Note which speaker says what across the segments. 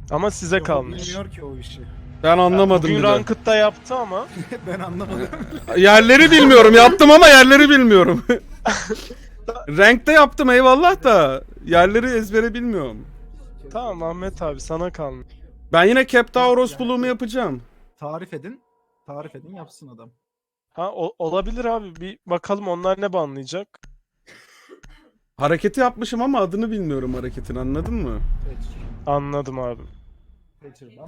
Speaker 1: Ama size
Speaker 2: Yok,
Speaker 1: kalmış.
Speaker 2: bilmiyor ki o işi.
Speaker 3: Ben anlamadım
Speaker 1: Bugün
Speaker 3: bile.
Speaker 1: Ranked'da yaptı ama.
Speaker 2: Ben anlamadım.
Speaker 3: Yerleri bilmiyorum. Yaptım ama yerleri bilmiyorum. Rank'te yaptım eyvallah da yerleri ezbere bilmiyorum.
Speaker 1: Tamam Ahmet abi sana kalmış.
Speaker 3: Ben yine Captauros bulumu yapacağım.
Speaker 2: Tarif edin. Tarif edin yapsın adam.
Speaker 1: Ha olabilir abi. Bir bakalım onlar ne banlayacak.
Speaker 3: Hareketi yapmışım ama adını bilmiyorum hareketin, anladın mı?
Speaker 1: Anladım abi.
Speaker 2: Kaçırdan.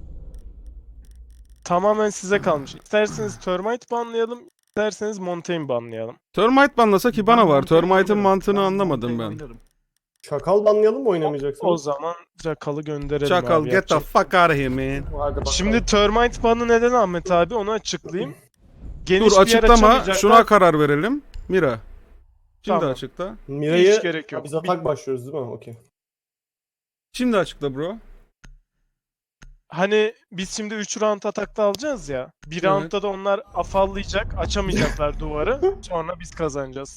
Speaker 1: Tamamen size kalmış. İsterseniz Termite banlayalım, isterseniz Montaigne banlayalım.
Speaker 3: Termite banlasa ki bana var.
Speaker 2: Montaigne
Speaker 3: Termite'ın
Speaker 2: oynarım.
Speaker 3: mantığını
Speaker 2: Ben
Speaker 3: anlamadım
Speaker 2: Montaigne
Speaker 3: ben.
Speaker 2: oynarım.
Speaker 4: Şakal banlayalım mı oynamayacaksın?
Speaker 1: O zaman Jackal'ı gönderelim
Speaker 3: Çakal
Speaker 1: abi.
Speaker 3: get the
Speaker 1: yapacak.
Speaker 3: fuck out of here man.
Speaker 4: Hadi bakalım.
Speaker 1: Şimdi Termite banı neden Ahmet abi onu açıklayayım. Geniş
Speaker 3: Dur
Speaker 1: bir yer
Speaker 3: açıklama,
Speaker 1: açamayacaklar.
Speaker 3: şuna karar verelim. Mira. Şimdi
Speaker 1: Tamam.
Speaker 3: açıkla.
Speaker 4: Mira'yı
Speaker 1: Hiç gerek yok.
Speaker 4: biz atak başlıyoruz değil mi? Okey.
Speaker 3: Şimdi açıkla bro.
Speaker 1: Hani biz şimdi 3 round atakta alacağız ya. Bir
Speaker 3: Evet.
Speaker 1: roundda da onlar afallayacak, açamayacaklar duvarı. Sonra biz kazanacağız.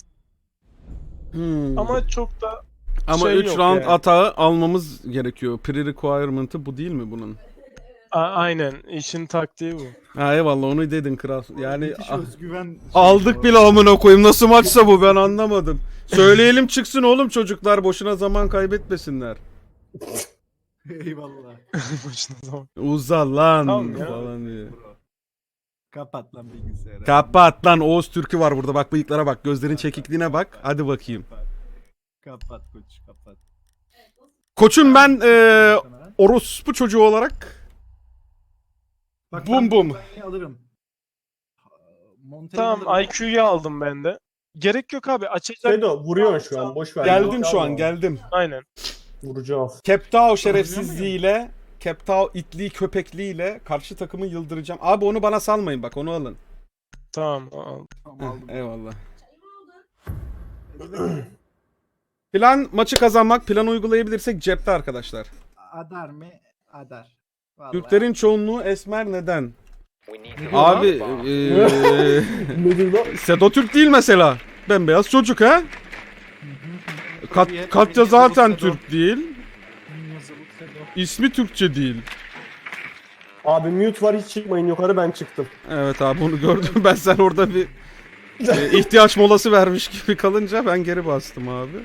Speaker 1: Ama çok da
Speaker 3: Ama
Speaker 1: şey
Speaker 3: 3
Speaker 1: yok
Speaker 3: round
Speaker 1: yani.
Speaker 3: atağı almamız gerekiyor. Pre-requirement'ı bu değil mi bunun?
Speaker 1: Aynen işin taktiği bu.
Speaker 3: Ha eyvallah onu dedin kral. Yani
Speaker 2: Müthiş özgüven.
Speaker 3: aldık bile amına koyayım. Nasıl maçsa bu ben anlamadım. Söyleyelim çıksın oğlum çocuklar boşuna zaman kaybetmesinler.
Speaker 2: Eyvallah.
Speaker 1: Başına zaman.
Speaker 3: Uzal lan
Speaker 1: Tamam ya.
Speaker 3: falan diye.
Speaker 2: Bro. Kapat lan bilgisayarı.
Speaker 3: Kapat lan Oğuz Türk'ü var burada bak bıyıklara bak gözlerin çekikliğine bak hadi bakayım.
Speaker 2: Kapat koç kapat.
Speaker 3: Koçum ben orospu çocuğu olarak
Speaker 2: Bak,
Speaker 3: bum
Speaker 2: ben
Speaker 3: bum.
Speaker 2: Montaigne'i alırım. Montaigne
Speaker 1: Tamam
Speaker 2: alırım.
Speaker 1: IQ'yu aldım ben de. Gerek yok abi açacak.
Speaker 4: Sedo vuruyorsun şu an boş ver.
Speaker 3: Geldim şu an geldim.
Speaker 1: Aynen.
Speaker 4: Vuracağız.
Speaker 3: Keptao şerefsizliğiyle, Keptao itliği köpekliğiyle karşı takımı yıldıracağım. Abi onu bana salmayın bak onu alın.
Speaker 1: Tamam al.
Speaker 2: Tamam,
Speaker 3: Heh,
Speaker 2: aldım.
Speaker 3: eyvallah. Plan maçı kazanmak, plan uygulayabilirsek cepte arkadaşlar.
Speaker 2: Adar mı? Adar. Vallahi.
Speaker 3: Türklerin çoğunluğu esmer neden?
Speaker 2: diyor
Speaker 3: Abi
Speaker 4: Nedir lan?
Speaker 3: Sedo Türk değil mesela. Bembeyaz çocuk ha? Katya zaten Türk değil.
Speaker 2: Yazılık Sedo.
Speaker 3: İsmi Türkçe değil.
Speaker 4: Abi mute var hiç çıkmayın yukarı ben çıktım.
Speaker 3: Evet abi onu gördüm ben sen orada bir ihtiyaç molası vermiş gibi kalınca ben geri bastım abi.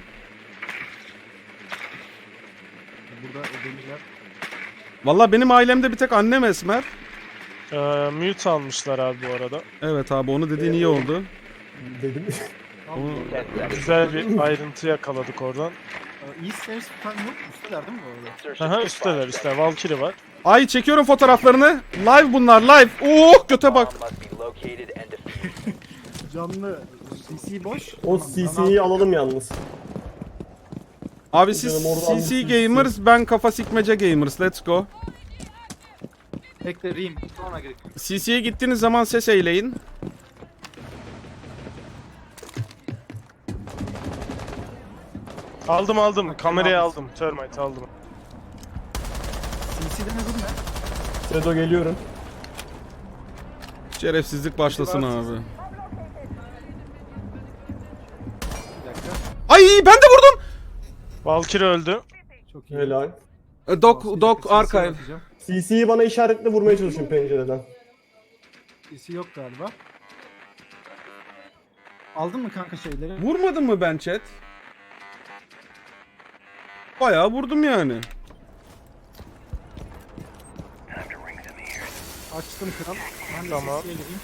Speaker 2: Burada ödemişler.
Speaker 3: Valla benim ailemde bir tek annem esmer.
Speaker 1: Mute almışlar abi bu arada.
Speaker 3: Evet abi onu dediğin iyi oldu.
Speaker 4: Dedim.
Speaker 3: Onu...
Speaker 1: Güzel bir ayrıntı yakaladık oradan.
Speaker 2: İyi servis tutan yok. Üsteler değil mi bu arada?
Speaker 1: Aha üstteler üstteler. Valkyrie var.
Speaker 3: Ay çekiyorum fotoğraflarını. Live bunlar live. Oh göte bak.
Speaker 2: Canlı CC boş.
Speaker 4: O
Speaker 2: Tamam,
Speaker 4: CC'yi alalım yalnız.
Speaker 3: Abi siz
Speaker 4: Canım, oradan
Speaker 3: CC
Speaker 4: bir
Speaker 3: Gamers ben kafa sikmece Gamers let's go.
Speaker 2: Bekle Rim. Sonra gerek.
Speaker 3: CC'ye gittiğiniz zaman ses eyleyin.
Speaker 1: Aldım. Kamerayı aldım. Termite aldım.
Speaker 2: CC'de ne durum ne?
Speaker 4: Sedo geliyorum.
Speaker 3: Şerefsizlik başlasın abi.
Speaker 2: Bir dakika.
Speaker 3: Ay ben de vurdum.
Speaker 1: Valkyrie öldü.
Speaker 2: Çok iyi.
Speaker 4: Helal.
Speaker 3: Dok archive.
Speaker 4: CC'yi bana işaretle vurmaya çalışın pencereden.
Speaker 2: CC yok galiba. Aldın mı kanka şeyleri?
Speaker 3: Vurmadım mı ben chat? Bayağı vurdum yani.
Speaker 2: Açtım kral. Ben de
Speaker 1: Tamam.
Speaker 2: CC'ye gireyim.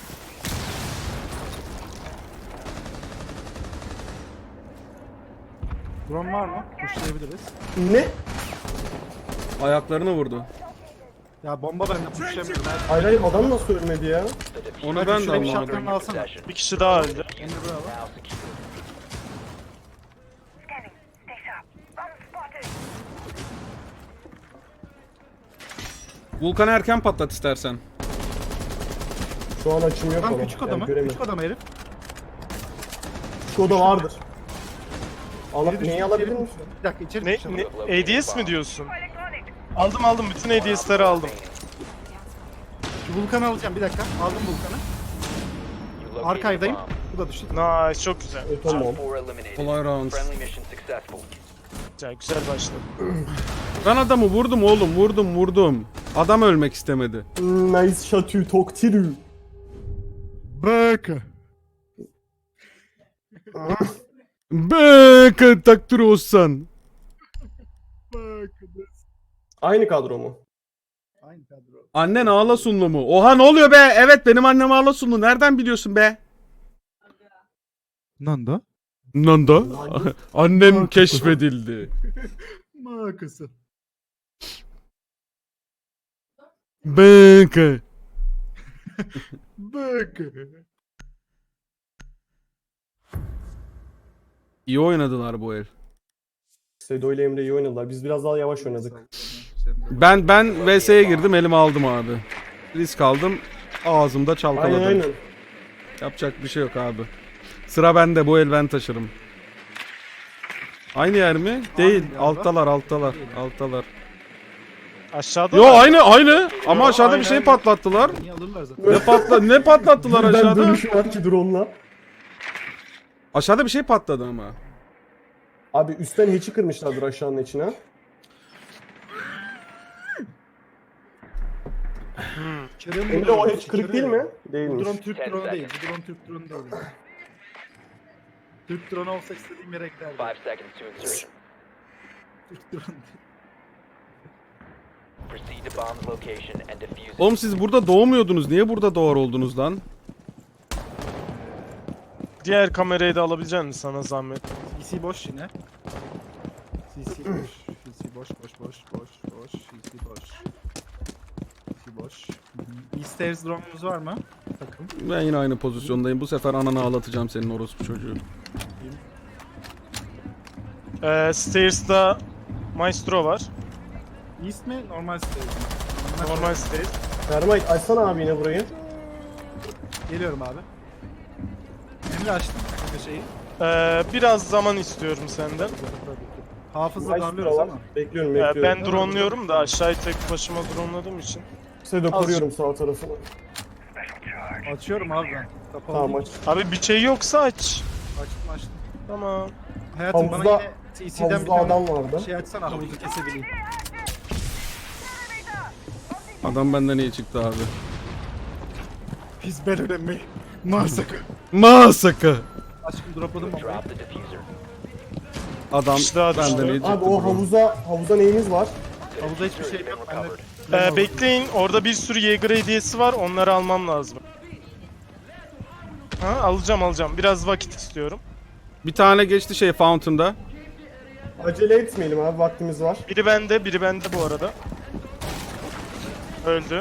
Speaker 2: Drone var mı? Pushlayabiliriz.
Speaker 4: Ne?
Speaker 3: Ayaklarına vurdu.
Speaker 2: Ya bomba bende pushlayamıyorum.
Speaker 4: Hayır hayır adam nasıl ölmedi ya?
Speaker 3: Onu ben de
Speaker 2: Şurada bir
Speaker 3: anlamadım.
Speaker 2: şapkanı alsana.
Speaker 1: Bir kişi daha öldü.
Speaker 2: Emre bravo.
Speaker 3: Vulkan'ı erken patlat istersen.
Speaker 4: Şu an açım yok
Speaker 2: Tam
Speaker 4: ona.
Speaker 2: küçük adamı.
Speaker 4: göremiyorum.
Speaker 2: Küçük adamı herif.
Speaker 4: Küçük oda vardır. Allah
Speaker 2: Biri düştü,
Speaker 4: neyi alabilir
Speaker 2: içeri
Speaker 4: misin?
Speaker 2: düştü. Bir dakika içeri
Speaker 1: Ne,
Speaker 2: düştü.
Speaker 1: ADS mi diyorsun? Aldım bütün ADS'leri aldım.
Speaker 2: Şu Vulkan'ı alacağım bir dakika. Aldım Vulkan'ı. Archive'dayım. Bu da düştü.
Speaker 1: Nice çok güzel.
Speaker 4: Tamam.
Speaker 3: Kolay rounds.
Speaker 1: Güzel başladı.
Speaker 3: Ben adamı vurdum oğlum, vurdum. Adam ölmek istemedi.
Speaker 4: Nice shot you talk to.
Speaker 2: Bak.
Speaker 3: Be takdir olsan.
Speaker 4: Aynı kadro mu?
Speaker 2: Aynı kadro.
Speaker 3: Annen Ağlasunlu mu? Oha ne oluyor be? Evet benim annem Ağlasunlu. Nereden biliyorsun be?
Speaker 2: Nanda?
Speaker 3: Nanda. Annem keşfedildi.
Speaker 2: Makası.
Speaker 3: Be
Speaker 2: Bak.
Speaker 3: İyi oynadılar bu el.
Speaker 4: Sedo ile Emre iyi oynadılar. Biz biraz daha yavaş oynadık.
Speaker 3: Ben VS'ye girdim, elime aldım abi. Risk aldım. Ağzımda çalkaladım.
Speaker 4: Aynen.
Speaker 3: Yapacak bir şey yok abi. Sıra bende, bu el ben taşırım. Aynı yer mi? Değil.
Speaker 2: yerde.
Speaker 3: Alttalar.
Speaker 1: Aşağıda
Speaker 3: Yo
Speaker 1: var.
Speaker 3: aynı. Ama
Speaker 1: Yo,
Speaker 3: aşağıda bir
Speaker 1: aynı,
Speaker 3: şey
Speaker 1: aynı.
Speaker 3: patlattılar.
Speaker 2: Niye alırlar zaten?
Speaker 3: Ne patlattılar
Speaker 4: Ben
Speaker 3: aşağıda?
Speaker 4: dönüşüm var ki drone'la.
Speaker 3: Aşağıda bir şey patladı ama.
Speaker 4: Abi üstten hatch'i kırmışlardır aşağının içine. Emre o hatch kırık değil mi?
Speaker 2: Bu
Speaker 4: Değilmiş.
Speaker 2: drone Türk drone'u değil. Bu drone Türk drone'u değil. Türk drone olsa istediğim yere giderdi.
Speaker 5: 5 seconds to insertion.
Speaker 2: Türk drone değil.
Speaker 5: Proceed to bomb's location and defuse it.
Speaker 3: Oğlum siz burada doğmuyordunuz. Niye burada doğar oldunuz lan?
Speaker 1: Diğer kamerayı da alabilecek misin sana zahmet?
Speaker 2: CC boş yine. CC boş. CC boş. CC boş. E-Stairs drone'umuz var mı? Takım.
Speaker 3: Ben yine aynı pozisyondayım. Bu sefer ananı ağlatacağım senin orospu çocuğu.
Speaker 1: Stairs'da Maestro var.
Speaker 2: East mi? Normal stairs mi?
Speaker 1: Normal stairs.
Speaker 4: Termite açsana abi yine burayı.
Speaker 2: Geliyorum abi. Emre açtım bu şeyi.
Speaker 1: Biraz zaman istiyorum senden.
Speaker 2: Hafızla
Speaker 4: Nice
Speaker 2: darlıyoruz
Speaker 4: var.
Speaker 2: ama.
Speaker 4: Bekliyorum.
Speaker 1: Ben drone'luyorum da aşağıyı tek başıma drone'ladığım için.
Speaker 4: Sedo koruyorum sağ tarafını.
Speaker 2: Açıyorum abi ben. Kapalı
Speaker 4: Tamam
Speaker 2: değil.
Speaker 4: aç.
Speaker 1: Abi bir şey yoksa aç.
Speaker 2: Açtım.
Speaker 1: Tamam.
Speaker 2: Hayatım bana
Speaker 4: Havuzda-
Speaker 2: yine CC'den bir
Speaker 4: Havuzda
Speaker 2: tane
Speaker 4: adam vardı.
Speaker 2: şey açsana havuzu kesebileyim.
Speaker 3: Adam benden iyi çıktı abi.
Speaker 2: Biz ben öğrenmeyi. Masaka.
Speaker 3: Masaka.
Speaker 2: Aşkım dropladım ama.
Speaker 5: Drop the diffuser.
Speaker 3: Adam
Speaker 1: İşte abi,
Speaker 3: benden
Speaker 1: işte.
Speaker 3: iyi çıktı.
Speaker 4: Abi o
Speaker 3: bro.
Speaker 4: havuza neyiniz var?
Speaker 2: Havuzda hiçbir şey yok. Ben de
Speaker 1: Bekleyin. Orada bir sürü Jaeger hediyesi var. Onları almam lazım. Ha, alacağım. Biraz vakit istiyorum.
Speaker 3: Bir tane geçti şey Fountain'da.
Speaker 4: Acele etmeyelim abi vaktimiz var.
Speaker 1: Biri bende bu arada. Öldü.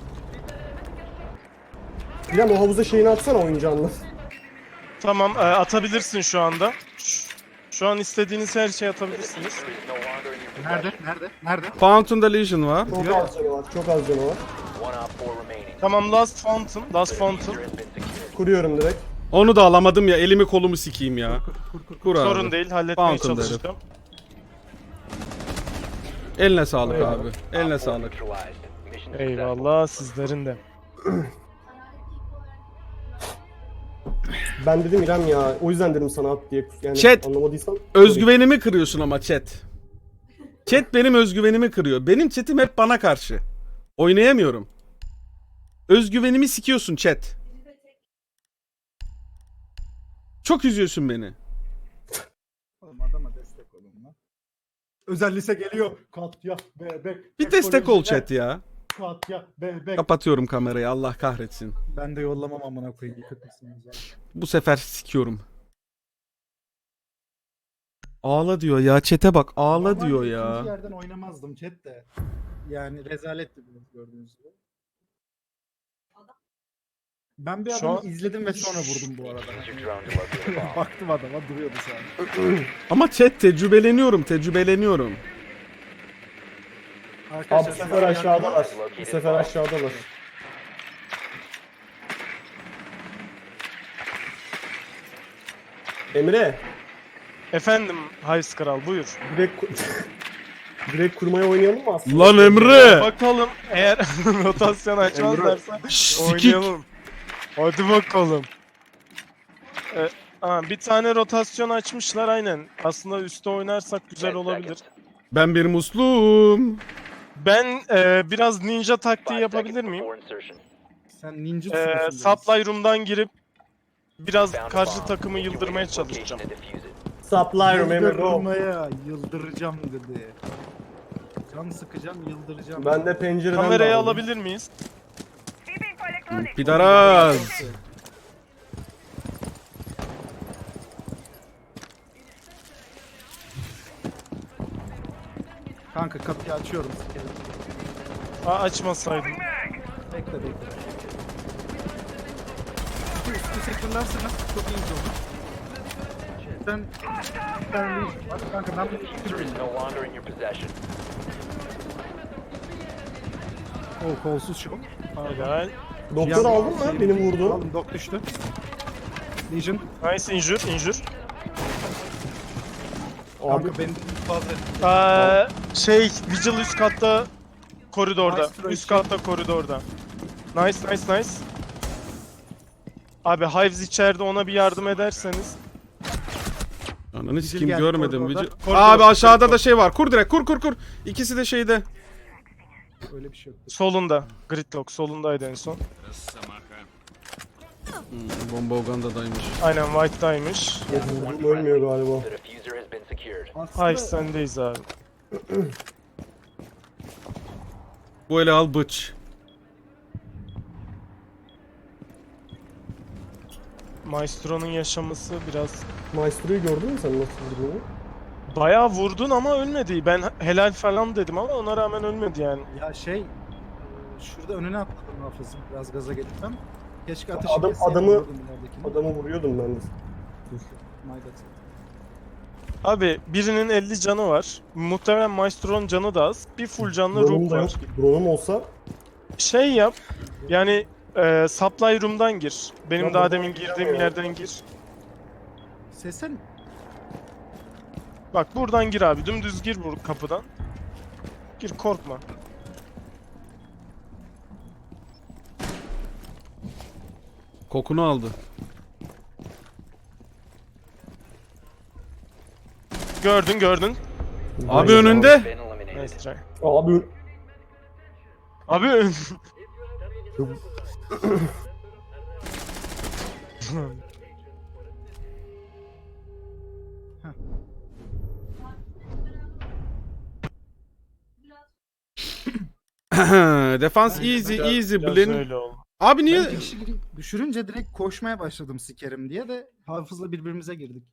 Speaker 4: İrem o havuza şeyini atsana oyuncağınla.
Speaker 1: Tamam, atabilirsin şu anda. Şu an istediğiniz her şeyi atabilirsiniz.
Speaker 5: There is no longer in your
Speaker 2: Nerede?
Speaker 3: Fountain'da Legion var.
Speaker 4: Çok az canı var. Çok az canı var.
Speaker 5: One op 4 remaining.
Speaker 1: Tamam, Last Fountain.
Speaker 5: Diffuser has been secured.
Speaker 4: Kuruyorum direkt.
Speaker 3: Onu da alamadım ya. Elimi kolumu sikeyim ya. Kur abi.
Speaker 1: Sorun değil, halletmeye
Speaker 3: Fountain derim.
Speaker 1: çalışacağım.
Speaker 3: Eline sağlık abi. Eline
Speaker 5: Op 4
Speaker 3: sağlık.
Speaker 5: neutralized. Mission successful.
Speaker 1: Eyvallah, sizlerin de.
Speaker 4: Ben dedim İrem ya. O yüzden dedim sana at diye. Yani
Speaker 3: Chat.
Speaker 4: anlamadıysan.
Speaker 3: Özgüvenimi kırıyorsun ama chat. Chat benim özgüvenimi kırıyor. Benim chatim hep bana karşı. Oynayamıyorum. Özgüvenimi sikiyorsun chat. Çok üzüyorsun beni.
Speaker 2: Oğlum adama destek olun lan. Özel lise geliyor. Katya bebek.
Speaker 3: Bir destek ol chat ya.
Speaker 2: Katya bebek.
Speaker 3: Kapatıyorum kamerayı, Allah kahretsin.
Speaker 2: Ben de yollamam amına koyayım. Yıkıtmışsınız ya.
Speaker 3: Bu sefer sikiyorum. Ağla diyor ya, chat'e bak, ağla
Speaker 2: Normalde
Speaker 3: diyor
Speaker 2: ikinci
Speaker 3: ya.
Speaker 2: yerden oynamazdım chat de. Yani rezaletti biraz gördüğünüz gibi. Ben bir
Speaker 1: Şu
Speaker 2: adamı
Speaker 1: an-
Speaker 2: izledim ve sonra vurdum bu arada.
Speaker 5: Use your drone to locate a bomb.
Speaker 2: Baktım adama duruyordu sadece.
Speaker 3: Ama chat tecrübeleniyorum.
Speaker 4: Abi bu sefer aşağıdalar. Bu sefer aşağıdalar. Emre.
Speaker 1: Efendim, Hays Kral, buyur.
Speaker 4: Direkt kurmaya oynayalım mı aslında?
Speaker 3: Lan Emre!
Speaker 1: Bakalım, eğer rotasyon açmazlarsa
Speaker 3: Sikik!
Speaker 1: oynayalım. Hadi bakalım. Bir tane rotasyon açmışlar aynen. Aslında üstte oynarsak güzel
Speaker 5: 10
Speaker 1: olabilir.
Speaker 5: seconds.
Speaker 3: Ben bir muslum.
Speaker 1: Ben biraz ninja taktiği
Speaker 5: 5
Speaker 1: yapabilir
Speaker 5: seconds
Speaker 1: miyim?
Speaker 5: before insertion.
Speaker 2: Sen ninja tutuyorsun.
Speaker 1: Supply room'dan girip biraz
Speaker 5: Found a
Speaker 1: karşı
Speaker 5: bomb.
Speaker 1: takımı
Speaker 5: Make your way
Speaker 1: yıldırmaya
Speaker 5: to its location
Speaker 1: çalışacağım.
Speaker 5: and defuse it.
Speaker 4: Supply room Emre go.
Speaker 2: Yıldırmaya yıldıracağım dedi. Can sıkacağım, yıldıracağım.
Speaker 4: Ben de pencereden
Speaker 1: Kamerayı
Speaker 4: bağladım.
Speaker 1: alabilir miyiz?
Speaker 3: Pidaraz.
Speaker 2: Kanka kapıyı açıyorum. sikerim.
Speaker 1: Açmasaydım.
Speaker 2: Bekle bekle. Üstü sektörlerseniz çok iyi olur. Ben var. Kanka ben bunu
Speaker 5: Diffuser is no longer in your possession.
Speaker 2: kolsuz şu.
Speaker 1: Helal.
Speaker 4: Doktor aldın mı? Benim vurdu.
Speaker 2: Aldım, dok düştü. Legion.
Speaker 1: Nice injure.
Speaker 4: Abi
Speaker 2: Kanka benim fazla.
Speaker 1: Vigil üst katta koridorda.
Speaker 2: Nice try.
Speaker 1: Üst katta koridorda. Nice. Abi Hives içeride, ona bir yardım ederseniz.
Speaker 3: Ananı sikeyim
Speaker 2: geldi
Speaker 3: görmedim.
Speaker 2: koridorda.
Speaker 3: Vigil-
Speaker 1: Koridor,
Speaker 3: Abi aşağıda
Speaker 1: koridor.
Speaker 3: da şey var. Kur direkt kur. İkisi de şeyde.
Speaker 2: Öyle bir şey yok.
Speaker 1: Solunda. Gridlock solundaydı en son.
Speaker 3: Bomba Uganda'daymış.
Speaker 1: Aynen White'daymış.
Speaker 4: vurdum, ölmüyor galiba.
Speaker 5: The diffuser has been secured.
Speaker 1: Hives sendeyiz abi.
Speaker 3: Bu ele al bıç.
Speaker 1: Maestro'nun yaşaması biraz...
Speaker 4: Maestro'yu gördün mü sen nasıl vurduğunu?
Speaker 1: Bayağı vurdun ama ölmedi. Ben helal falan dedim ama ona rağmen ölmedi yani.
Speaker 2: Ya şurada önüne atladım hafızım. Biraz gaza gelip. Keşke ateşi
Speaker 4: Adam-
Speaker 2: kesseydim,
Speaker 4: adamı-
Speaker 2: vururdum ileridekini.
Speaker 4: Adamı vuruyordum ben de.
Speaker 2: My bad.
Speaker 1: Abi birinin 50 canı var. Muhtemelen Maestro'nun canı da az. Bir full canlı
Speaker 4: Drone'um
Speaker 1: Rook
Speaker 4: da yok.
Speaker 1: var.
Speaker 4: Drone'um olsa
Speaker 1: Şey yap. Yani supply room'dan gir. Benim
Speaker 4: Ya
Speaker 1: daha
Speaker 4: buradan
Speaker 1: demin girdiğim
Speaker 4: giremiyorum.
Speaker 1: yerden gir.
Speaker 2: Sesen
Speaker 1: Bak buradan gir abi. Dümdüz gir bu kapıdan. Gir, korkma.
Speaker 3: Kokunu aldı.
Speaker 1: Gördün.
Speaker 3: Abi önünde.
Speaker 5: Been eliminated.
Speaker 1: Nice try.
Speaker 4: abi
Speaker 1: Abi
Speaker 3: Defans easy
Speaker 1: biraz
Speaker 3: Blin.
Speaker 1: öyle oldu.
Speaker 3: Abi niye?
Speaker 2: ben kişi düşürünce direkt koşmaya başladım sikerim diye de hafızla birbirimize girdik.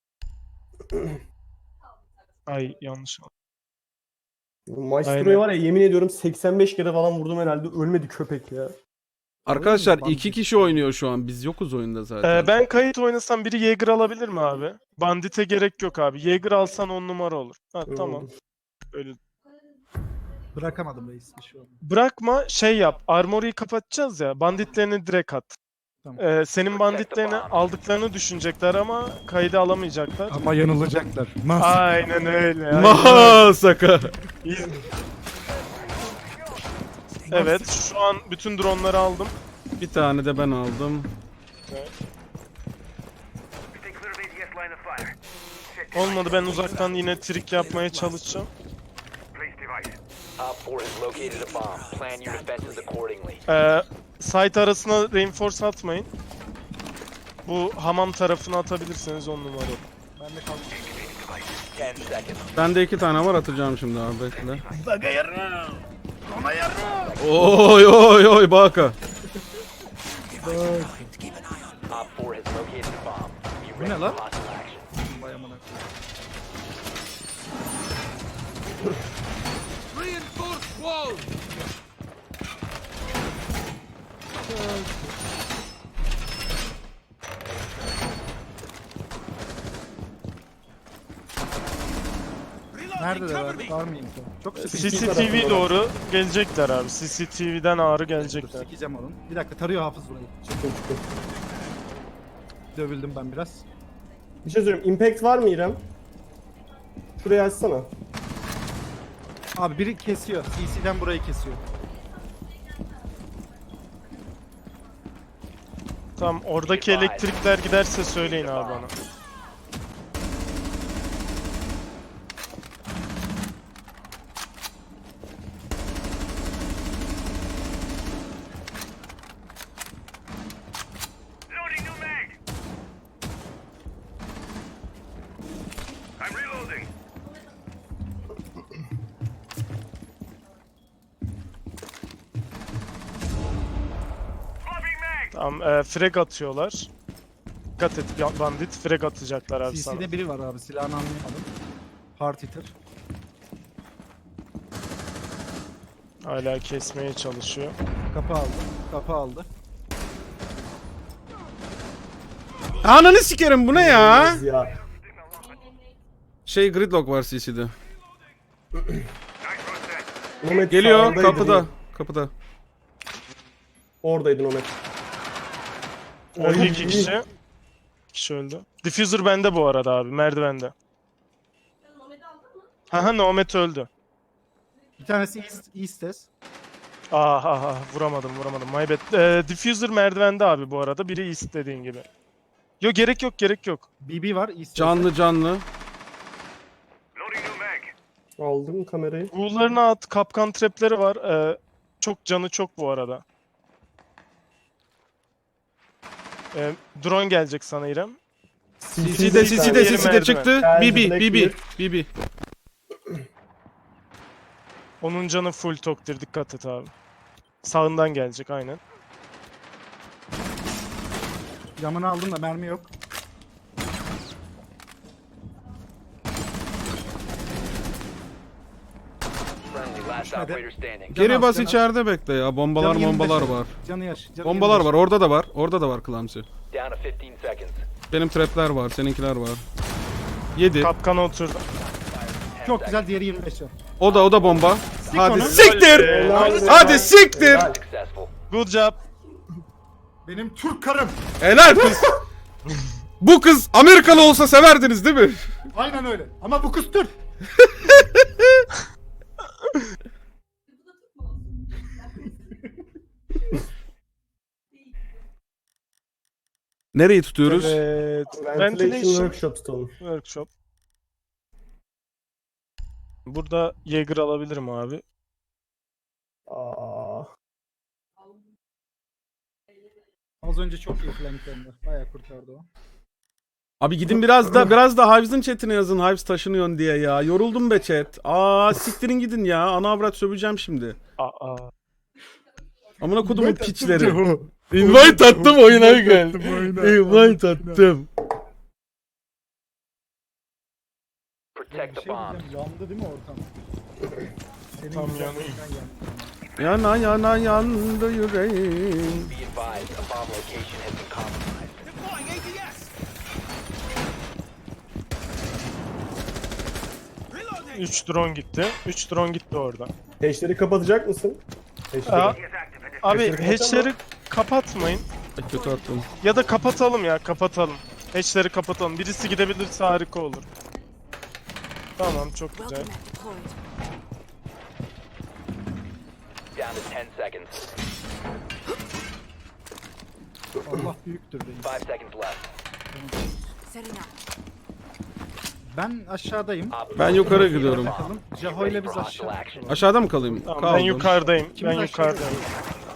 Speaker 1: Ay yanlış oldu.
Speaker 4: Maestro'yu
Speaker 1: Aynen.
Speaker 4: var ya yemin ediyorum 85 kere falan vurdum herhalde ölmedi köpek ya.
Speaker 3: Arkadaşlar
Speaker 2: Bandit.
Speaker 3: 2 kişi oynuyor şu an. Biz yokuz oyunda zaten.
Speaker 1: Ben kayıt oynasam biri Jaeger alabilir mi abi? Bandit'e gerek yok abi. Jaeger alsan 10 numara olur. Ha
Speaker 4: Öyle
Speaker 1: tamam.
Speaker 4: oldu.
Speaker 1: Öyle.
Speaker 2: Bırakamadım reis bir şey oldu.
Speaker 1: Bırakma, şey yap. Armory'yi kapatacağız ya. Banditlerini direkt at.
Speaker 2: Tamam.
Speaker 1: Senin banditlerini aldıklarını düşünecekler ama kaydı alamayacaklar.
Speaker 2: Ama yanılacaklar.
Speaker 1: Aynen öyle. aynen öyle.
Speaker 3: Masaka.
Speaker 1: Evet, şu an bütün dronları aldım.
Speaker 3: Bir tane de ben aldım.
Speaker 1: Olmadı, ben uzaktan yine trik yapmaya çalışacağım.
Speaker 5: Op 4 has located a bomb. Plan your defenses accordingly.
Speaker 1: Site arasına reinforce atmayın. Bu hamam tarafına atabilirseniz 10 numara.
Speaker 2: Ben de kaldım.
Speaker 5: 10 seconds.
Speaker 3: Bende 2 tane var, atacağım şimdi abi, bekle. Oy baka.
Speaker 5: Op 4 has located a bomb. Be
Speaker 2: Bu ne
Speaker 5: ready
Speaker 2: lan?
Speaker 5: for hostile action.
Speaker 2: Vay amına. Neredeler abi? Var mı info? Çok sıkıntı.
Speaker 1: CCTV doğru gelecekler abi. CCTV'den ağrı gelecekler.
Speaker 2: Sikeceğim onun. Bir dakika tarıyor hafız burayı.
Speaker 4: Çıktım.
Speaker 2: Dövüldüm ben biraz.
Speaker 4: Bir şey söyleyeyim. Impact var mı İrem? Şurayı açsana.
Speaker 2: Abi biri kesiyor. CC'den burayı kesiyor.
Speaker 1: Tamam, oradaki elektrikler giderse söyleyin abi bana. Frag atıyorlar. Dikkat et bandit. Frag atacaklar abi sana.
Speaker 2: CC'de biri var abi. Silahını anlayamadım. Hard hitter.
Speaker 1: Hala kesmeye çalışıyor.
Speaker 2: Kapı aldı. Kapı aldı.
Speaker 3: Ananı sikerim, bu ne ya?
Speaker 4: Ya.
Speaker 3: Gridlock var CC'de.
Speaker 4: Nomet
Speaker 3: Geliyor
Speaker 4: sağındaydın
Speaker 3: kapıda.
Speaker 4: ya.
Speaker 3: Kapıda.
Speaker 4: Oradaydın Nomet.
Speaker 1: Öldü
Speaker 4: Oy,
Speaker 1: 2
Speaker 4: iyi.
Speaker 1: kişi. 2 kişi öldü. Diffuser bende bu arada abi. Merdivende. Haha Nomad öldü.
Speaker 2: Bir tanesi Eastes.
Speaker 1: Vuramadım. My bad. Diffuser merdivende abi bu arada. Biri East dediğin gibi. Yok gerek yok.
Speaker 2: BB var. Eastes.
Speaker 3: Canlı.
Speaker 4: Aldım kamerayı.
Speaker 1: Ghoul'larına at. Kapkan trapleri var. Çok canı çok bu arada. Drone gelecek sana İrem.
Speaker 3: CC'de
Speaker 1: merdiven.
Speaker 3: çıktı.
Speaker 4: Geldi,
Speaker 3: BB.
Speaker 1: Onun canı full toktir. Dikkat et abi. Sağından gelecek aynen.
Speaker 2: Camını aldım da mermi yok.
Speaker 5: Friendly, last
Speaker 2: Düşmedi.
Speaker 5: operator standing.
Speaker 3: Geri
Speaker 2: Can
Speaker 3: bas
Speaker 2: az,
Speaker 3: içeride bekle ya. Bombalar
Speaker 2: Canı 25
Speaker 3: var.
Speaker 2: Canı yaş. Canı
Speaker 3: Bombalar
Speaker 2: 25.
Speaker 3: var. Orada da var Clamsy.
Speaker 5: Down to 15 seconds.
Speaker 3: Benim trapler var. Seninkiler var. 7.
Speaker 1: Kapkana oturdu.
Speaker 2: Çok güzel. Diğeri 25 can.
Speaker 3: O da bomba. Hadi
Speaker 2: onu.
Speaker 3: siktir. Hadi siktir.
Speaker 5: Successful.
Speaker 1: Good job.
Speaker 2: Benim Türk karım.
Speaker 3: Helal kız. Bu kız Amerikalı olsa severdiniz değil mi?
Speaker 2: Aynen öyle. Ama bu kız Türk.
Speaker 3: Nereyi tutuyoruz?
Speaker 1: Evet.
Speaker 4: Ventilation Workshop tutalım.
Speaker 1: Workshop. Burada Jaeger alabilirim abi.
Speaker 4: Aa.
Speaker 2: Az önce çok iyi flanklendi. Bayağı kurtardı o.
Speaker 3: Abi gidin biraz da Hives'ın chatine yazın. Hives taşınıyorsun diye ya. Yoruldum be chat. Siktirin gidin ya. Ana avrat söveceğim şimdi. Amına kodumun piçleri. Invite attım oyuna gel. Invite attım.
Speaker 5: Protect the
Speaker 2: Şey
Speaker 5: bombs.
Speaker 2: diyeceğim, yandı değil mi ortam? Senin
Speaker 1: Tam
Speaker 2: güzel
Speaker 1: yanıyor.
Speaker 2: oyundan yandı.
Speaker 3: Yana yandı yüreğim.
Speaker 5: Be advised, a bomb location has been compromised.
Speaker 1: 3 drone gitti. 3 drone gitti orada.
Speaker 4: Hatch'leri kapatacak mısın? Hatch'leri.
Speaker 1: Abi
Speaker 4: Hatch'leri
Speaker 1: hatch'leri kapatmayın.
Speaker 3: Kötü attım.
Speaker 1: Ya da kapatalım ya kapatalım. Hatch'leri kapatalım. Birisi gidebilirse harika olur. Tamam çok güzel.
Speaker 6: Welcome at deployed.
Speaker 5: Down to 10 seconds.
Speaker 2: Allah büyüktür benim.
Speaker 5: 5 seconds left.
Speaker 6: Setting up.
Speaker 2: Ben aşağıdayım.
Speaker 5: Op
Speaker 3: Ben yukarı gidiyorum.
Speaker 2: Bakalım. Jaho ile biz aşağı.
Speaker 3: Aşağıda mı kalayım?
Speaker 1: Tamam,
Speaker 3: Kaldım.
Speaker 1: ben yukarıdayım.
Speaker 2: İkimiz
Speaker 1: Ben
Speaker 2: aşağıdayız.
Speaker 1: yukarıdayım.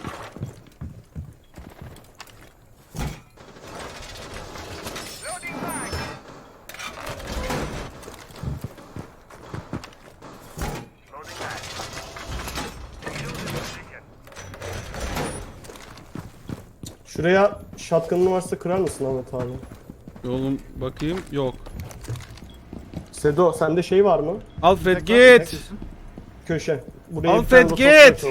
Speaker 4: Şuraya shotgun'ın varsa kırar mısın Ahmet abi?
Speaker 3: Oğlum bakayım. Yok.
Speaker 4: Sedo sende şey var mı?
Speaker 3: Alfred
Speaker 2: Bir dakika,
Speaker 3: git.
Speaker 4: Köşe. Buraya bir
Speaker 3: Alfred,
Speaker 4: tane rotasyon
Speaker 3: git!
Speaker 4: açalım.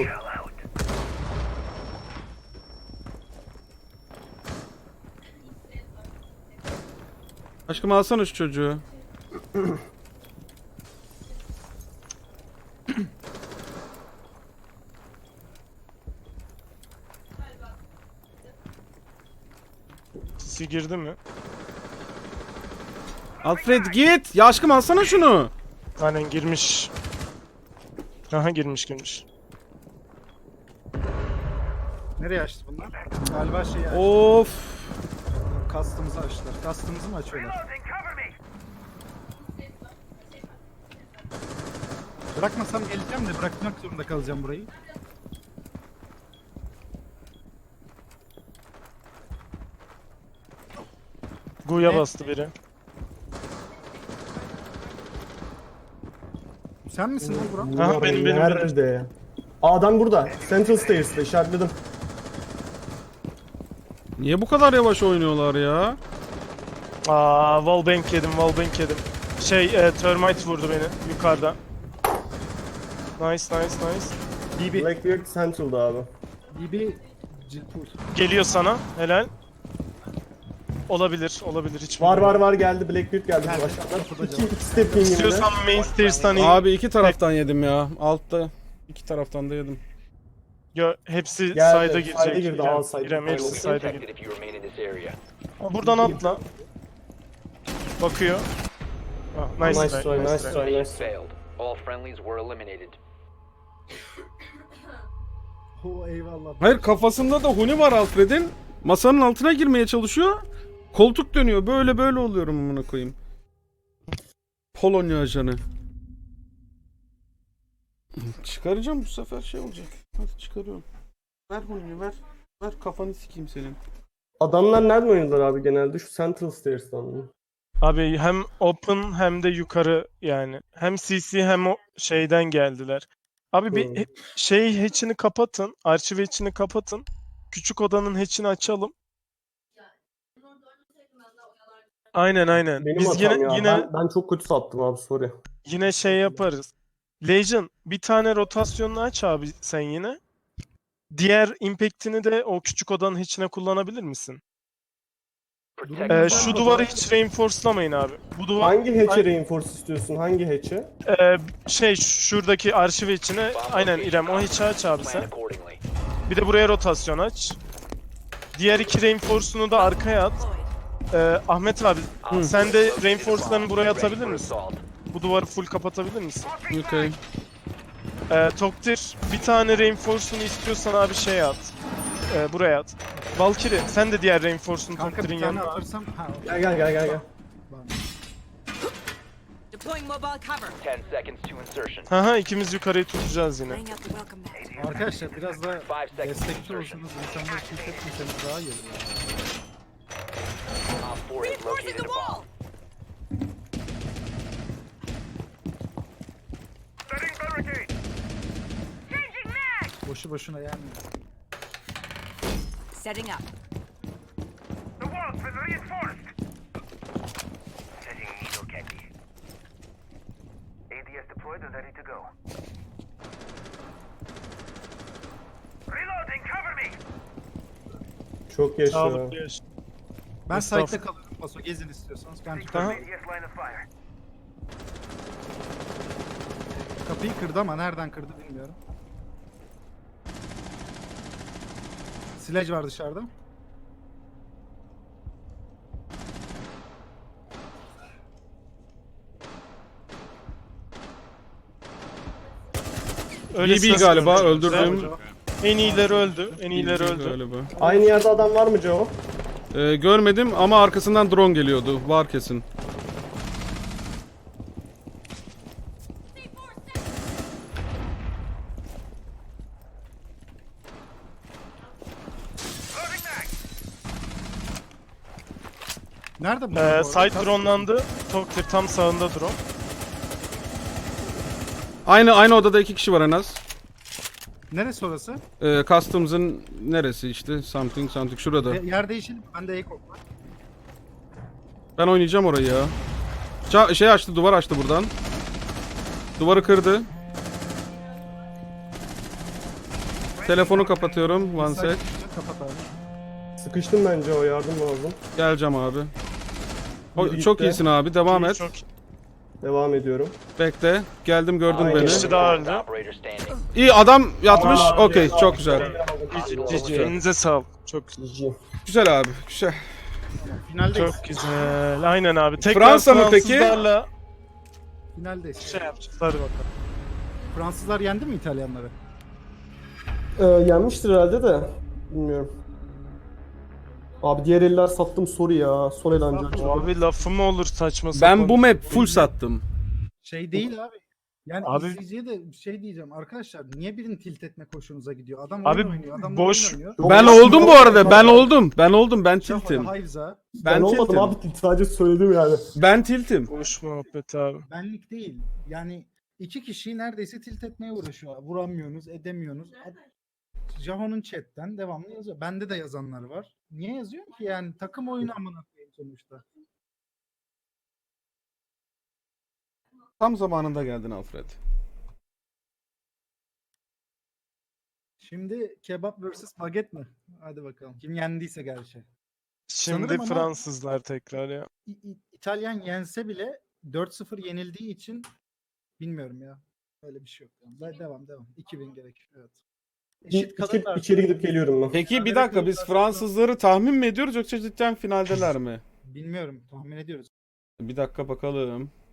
Speaker 3: Aşkım alsana şu çocuğu.
Speaker 1: Sisi girdi mi?
Speaker 3: Alfred git. Ya aşkım alsana şunu.
Speaker 1: Aynen girmiş. Aha girmiş.
Speaker 2: Nereye açtı bunlar? Galiba şeyi açtı.
Speaker 3: Of.
Speaker 2: Kastımızı açtılar. Kastımızı mı açıyorlar? Bırakmasam geleceğim de bırakmak zorunda kalacağım burayı.
Speaker 1: Gu'ya
Speaker 2: Ne?
Speaker 1: bastı biri.
Speaker 2: Sen misin lan Burak?
Speaker 1: Aha,
Speaker 4: Bunlar
Speaker 1: benim.
Speaker 4: Nerede? Aa, adam burada. Central Stairs'te işaretledim.
Speaker 3: Niye bu kadar yavaş oynuyorlar ya?
Speaker 1: Wallbang yedim, wallbang yedim. Termite vurdu beni yukarıdan. Nice.
Speaker 2: DB.
Speaker 4: Blackbeard Central'da abi.
Speaker 2: DB. Cilpur.
Speaker 1: Geliyor sana, helal. Olabilir hiç
Speaker 4: Var
Speaker 1: bilmiyorum.
Speaker 4: var geldi. Blackbeard geldi.
Speaker 2: Geldi.
Speaker 4: Aşağıdan.
Speaker 2: Kapıda
Speaker 4: İki
Speaker 2: canım.
Speaker 4: step in
Speaker 1: İstiyorsan main stairs'tan in.
Speaker 3: Abi iki taraftan yedim ya. Altta. İki taraftan da yedim.
Speaker 1: Hepsi
Speaker 4: Geldi,
Speaker 1: side'a
Speaker 4: side'a
Speaker 1: girecek.
Speaker 4: girdi,
Speaker 1: İrem,
Speaker 4: al side.
Speaker 1: İrem hepsi
Speaker 4: Aynen.
Speaker 1: side'a girdi.
Speaker 5: Protected if you remain in this area.
Speaker 1: Buradan atla. Bakıyor. Nice
Speaker 4: Nice try, nice try,
Speaker 5: Mission
Speaker 4: nice.
Speaker 5: failed. All friendlies were eliminated.
Speaker 2: Eyvallah.
Speaker 3: Hayır, kafasında da huni var Alfred'in. Masanın altına girmeye çalışıyor. Koltuk dönüyor. Böyle oluyorum amına koyayım. Polonya ajanı. Çıkaracağım bu sefer, şey olacak. Hadi çıkarıyorum. Ver huniyi, ver. Ver, kafanı sikeyim senin.
Speaker 4: Adamlar nereden oynadılar abi genelde? Şu Central Stairs'tan mı?
Speaker 1: Abi hem open hem de yukarı yani. Hem CC hem o şeyden geldiler. Abi bir hatch'ini kapatın. Arşiv hatch'ini kapatın. Küçük odanın hatch'ini açalım. Aynen.
Speaker 4: Benim
Speaker 1: Biz
Speaker 4: hatam ya.
Speaker 1: yine
Speaker 4: Ben çok kötü sattım abi, sorry.
Speaker 1: yine şey yaparız. Legion bir tane rotasyonunu aç abi sen yine. Diğer impact'ini de o küçük odanın içine kullanabilir misin?
Speaker 5: Protect
Speaker 1: Şu duvarı hiç reinforcelamayın abi. Bu duvar
Speaker 4: Hangi hatch'e reinforce istiyorsun? Hangi hatch'e?
Speaker 1: şuradaki arşiv içine aynen İrem o hatch'i aç abi
Speaker 5: plan
Speaker 1: sen.
Speaker 5: accordingly.
Speaker 1: Bir de buraya rotasyon aç. Diğer iki reinforce'unu da arkaya at. Ahmet abi sen de reinforce'larını buraya atabilir misin? Bu duvarı full kapatabilir misin?
Speaker 3: Okay.
Speaker 1: Toktir bir tane reinforce'unu istiyorsan abi şey at. Buraya at. Valkyrie sen de diğer reinforce'unu
Speaker 2: Kanka
Speaker 1: Toktir'in
Speaker 2: bir tane
Speaker 1: yanına at.
Speaker 2: atırsam.
Speaker 4: Gel.
Speaker 6: Deploying mobile cover.
Speaker 5: 10 seconds to insertion.
Speaker 1: Haha ikimiz yukarıyı tutacağız yine.
Speaker 6: Laying out the welcome mat.
Speaker 2: Arkadaşlar biraz da
Speaker 5: 5 seconds to
Speaker 2: destekçi
Speaker 5: insertion.
Speaker 2: olsanız, insanları tilt etmeseniz daha iyi olur.
Speaker 5: Op 4 has
Speaker 6: Reinforcing
Speaker 5: located
Speaker 6: the
Speaker 5: a bomb.
Speaker 6: wall.
Speaker 2: Boşu boşuna yenmiyor.
Speaker 6: Setting up.
Speaker 4: Çok yaşa.
Speaker 1: Sağlıklı yaş.
Speaker 2: Ben
Speaker 1: Estağfurullah.
Speaker 2: site'de kalıyorum. Paso gezin istiyorsanız. Ben
Speaker 1: Aha.
Speaker 2: tutarım. Kapıyı kırdı ama nereden kırdı bilmiyorum. Sledge var dışarıda.
Speaker 1: Öyle
Speaker 3: BB
Speaker 1: ses
Speaker 3: galiba
Speaker 1: görmüş.
Speaker 3: öldürdüm.
Speaker 1: En iyileri öldü. En iyileri öldü.
Speaker 3: Galiba.
Speaker 4: Aynı yerde adam var mı Joe?
Speaker 3: Görmedim ama arkasından drone geliyordu. Var kesin.
Speaker 2: Nerede bu? arada?
Speaker 1: Site dronelandı. Toktir tam sağında drone.
Speaker 3: Aynı odada iki kişi var en az.
Speaker 2: Neresi orası?
Speaker 3: Customs'ın neresi işte? Something şurada.
Speaker 2: Yer değişelim. Bende ekop var.
Speaker 3: Ben oynayacağım orayı ya. Şey açtı, duvar açtı buradan. Duvarı kırdı. Telefonu kapatıyorum. One sec.
Speaker 2: Kapat abi.
Speaker 4: Sıkıştım bence, o yardım lazım.
Speaker 3: Geleceğim abi.
Speaker 4: Biri
Speaker 3: Çok
Speaker 4: gitti.
Speaker 3: iyisin abi. Devam et.
Speaker 1: Çok
Speaker 4: Devam ediyorum.
Speaker 3: Bekle. Geldim, gördün
Speaker 4: Aynen.
Speaker 3: beni.
Speaker 1: kişi daha öldü.
Speaker 5: Operator standing.
Speaker 3: İyi, adam yatmış.
Speaker 4: Aa,
Speaker 3: Okey, çok güzel.
Speaker 1: GG. Elinize sağlık. Çok
Speaker 4: GG.
Speaker 3: Güzel abi. Güzel.
Speaker 2: Finaldeyiz.
Speaker 1: çok güzel. Aynen abi. Tekrar
Speaker 3: Fransa mı peki?
Speaker 1: Fransızlarla
Speaker 2: Finaldeyiz.
Speaker 1: şey yapacağız. Hadi bakalım.
Speaker 2: Fransızlar yendi mi İtalyanları?
Speaker 4: Yenmiştir herhalde de. Bilmiyorum. Abi diğer eller sattım, sorry ya. Son el ancak.
Speaker 1: Abi lafı mı olur saçma sapan.
Speaker 3: Ben bu map full sattım.
Speaker 2: Şey değil abi. Yani
Speaker 1: Abi-
Speaker 2: izleyiciye de şey diyeceğim arkadaşlar, niye birini tilt etmek hoşunuza gidiyor? Adam
Speaker 1: Abi
Speaker 2: oyun oynuyor, adam
Speaker 1: boş-
Speaker 2: oyun oynuyor.
Speaker 3: Ben oldum bu arada. Ben oldum. Ben
Speaker 2: Şafaka,
Speaker 3: tiltim.
Speaker 2: Hayvza,
Speaker 4: Ben olmadım
Speaker 3: tiltim.
Speaker 4: abi, sadece söyledim yani.
Speaker 3: Ben tiltim.
Speaker 1: Boş muhabbet abi.
Speaker 2: benlik değil. Yani iki kişiyi neredeyse tilt etmeye uğraşıyor. Vuramıyorsunuz, edemiyorsunuz. Jaho'nun chatten devamlı yazıyor. Bende de yazanlar var. Niye yazıyor ki yani takım oyunu amına koyayım sonuçta.
Speaker 3: Tam zamanında geldin Alfred.
Speaker 2: Şimdi kebap vs baget mi? Hadi bakalım. Kim yendiyse gerçi.
Speaker 1: Şimdi
Speaker 2: Sanırım ama-
Speaker 1: Fransızlar tekrar ya.
Speaker 2: İtalyan yense bile 4-0 yenildiği için bilmiyorum ya. Öyle bir şey yok. Yani. Devam. 2000 gerek. Evet. Eşit kalırlar.
Speaker 4: İçeri gidip geliyorum ben.
Speaker 3: Peki bir
Speaker 2: Berabere
Speaker 3: dakika biz
Speaker 2: kalırlarsa-
Speaker 3: Fransızları tahmin mi ediyoruz yoksa cidden finaldeler mi?
Speaker 2: Bilmiyorum. Tahmin ediyoruz.
Speaker 3: Bir dakika bakalım.